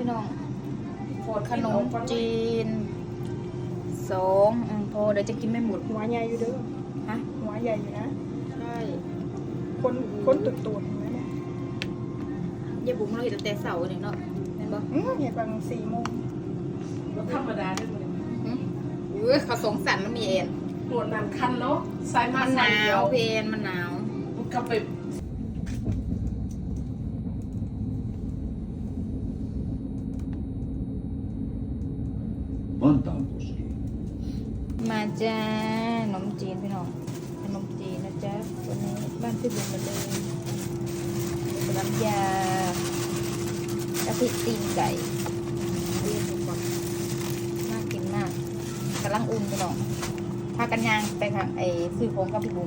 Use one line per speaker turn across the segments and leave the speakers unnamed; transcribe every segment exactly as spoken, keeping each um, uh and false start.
พี่น้องโฟดขนมจีนสองพอเดี๋ยวจะกินไม่หมด
หัวใหญ่อยู่เด้อ
ฮะ
หัวใหญ่อยู่นะ
ใช่
คนคนตุ่ตุ่นนะเนี่ย
ยายบุ๋มเราเห็นแต่เสาเนี่ยเนาะเห็นปะ
อืมเห็นบางสี่โมง
แล้วธรรมดาด้วยมั้ย
อุ้ยเขาสงสารมันมีเอ็น
ปวดหนังคันเนาะสายมา
มันหนาวเพนมันหนาว
มันกลับไป
Vantaankoski
มาจ้าขนมจีนพี่น้องขนมจีนนะจ๊ะวันนี้บ้านพี่บุ๋มมาเลยน้ำยากะทิตีนไก่เรียกผมก่อนน่ากินมากกำลังอุ่นพี่น้องพากันยางไปค่ะไอ้ซื้อของกับพี่บุ๋ม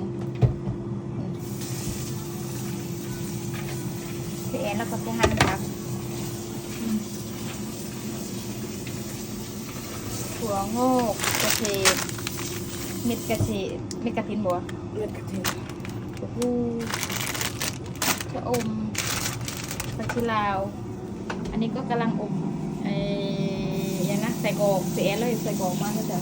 พี่แอนแล้วก็พี่ฮันครับถั่วงอกกระเทียมเม็ดกระเทียมเม็ดกระถินบัว
เลือดกระเทียม
โอ้โหชะอมผักชีลาว อันนี้ก็กำลังอบไอ้ยังนะใส่กรอกเสียเลยใส่กรอกมากก็จะ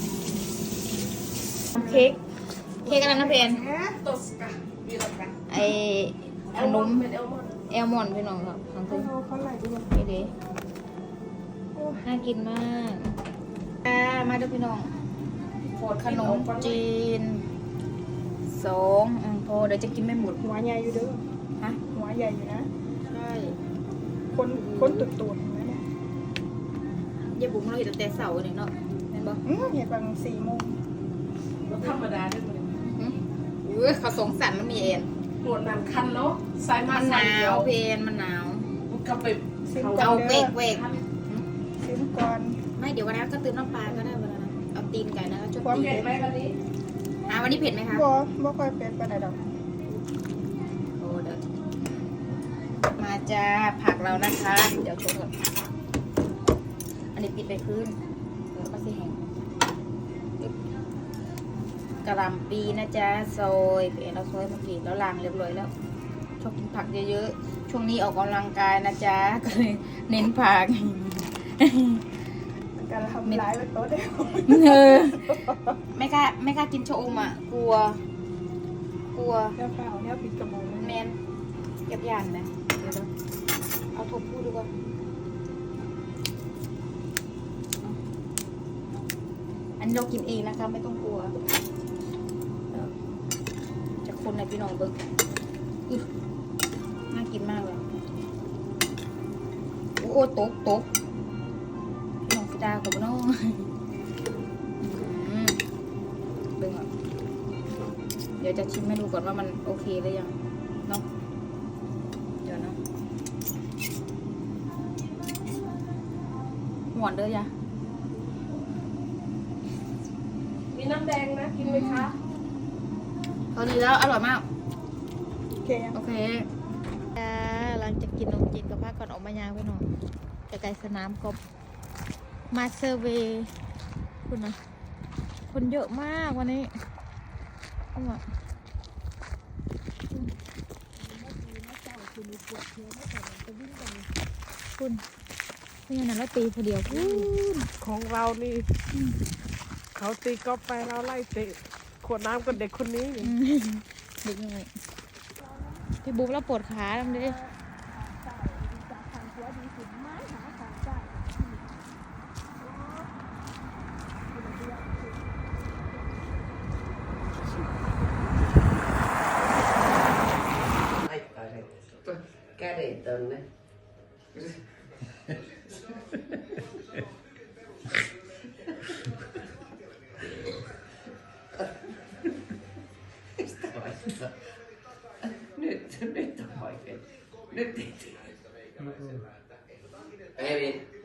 เค้กเค้กอะไรนะเพน
โตสกาวีรกา
ไอ้ขนม
เป็นเอลมอน
แอลมอนด์พี่น้องครับทาง
เขา
ซึ่ง
เขาไหลด้วย
นี่ดิน่ากินมากอ่ามาดูพี่น้องโฟดขนมจีนสองพอเดี๋ยวจะกินไม่หมด
หัวใหญ่อยู่เด้อ
ฮะ
หัวใหญ่อยู่นะ
ใช่
คนคนตุ่ตุ่นนะเนี่ย
ยายบุ๋มเราเห็นแต่เสาเนี่ยเนาะเห็นปะ
อืมเห็นบางสี่โมง
แล้วธรรมดาด้วยมั้ย
อุ้ยเขาสงสารมันมีเอ็น
ปวดหนังคันเนาะสายมา
มันหนาวเพนมันหนาว
มันกลับไป
เอาเวกเวก
ซื้อก่อน
ไม่เดี๋ยววันนั้นก็ตื่นน้ำปลาก็ได้วันนั้นเอาตีนไก่นะชุบ
ความ
ตี
เผ็ด
น
ไหมวันนี้
อ่ะวันนี้เผ็ดไหมคะ
บ่บ่ค่อยเป็นปานใดดอก
โอ้เดี๋ยวมาจ้าผักเรานะคะ เดี๋ยวชมก่อนอันนี้ปิดไปพื้นเดี๋ยวก็สิแห้งกระหล่ำปีนะจ๊ะซอยเผ็ดเราซอยเมื่อกี้แล้วล้างเรียบร้อยแล้วชอบกินผักเยอะๆช่วงนี้ออกกำลังกายนะจ๊ะก็เลยเน้นผัก
การทำร้ายเป็นโต๊ะเดียว
เออไม่กล้าไม่กล้ากินชะอมอ่ะกลัว กลัว
เนี่ยเปล่าเนี่ยปิดกระโปรง
แมนเก็บยานนะเดี๋ยวเอาทบพูดดูก่อนอันนี้เรากินเองนะคะไม่ต้องกลัวจากคนในพี่น้องเบิ้งน่ากินมากเลยโอ้โหตกตกพี่น้องฟิดากับน้องเบิ้งอ่ะเดี๋ยวจะชิมให้ดูก่อนว่ามันโอเคหรือยังเนาะเดี๋ยวนะหวานเด้อยะ
มีน้ำแดงนะกินไหมคะ
พอดีแล้วอร่อยมาก
โอเค
โอเคหลังจากกินนมจีนกับผ้าก่อนออกมายางไปหน่อยจะไกลสนามกบมาเซอร์เวย์คุณนะคนเยอะมากวันนี้เอามาคุณไม่งั้นเราตีพอเดียวคุณ
ของเรานี่เขาตีกอล์ฟไปเราไล่เตะขวดน้ำกับเด็กคนนี้
เด็กหน่อยพี่บุ๊บเราปวดขาทำดิ
cái này tên đấy nyt nyt hỏi cái nyt em đi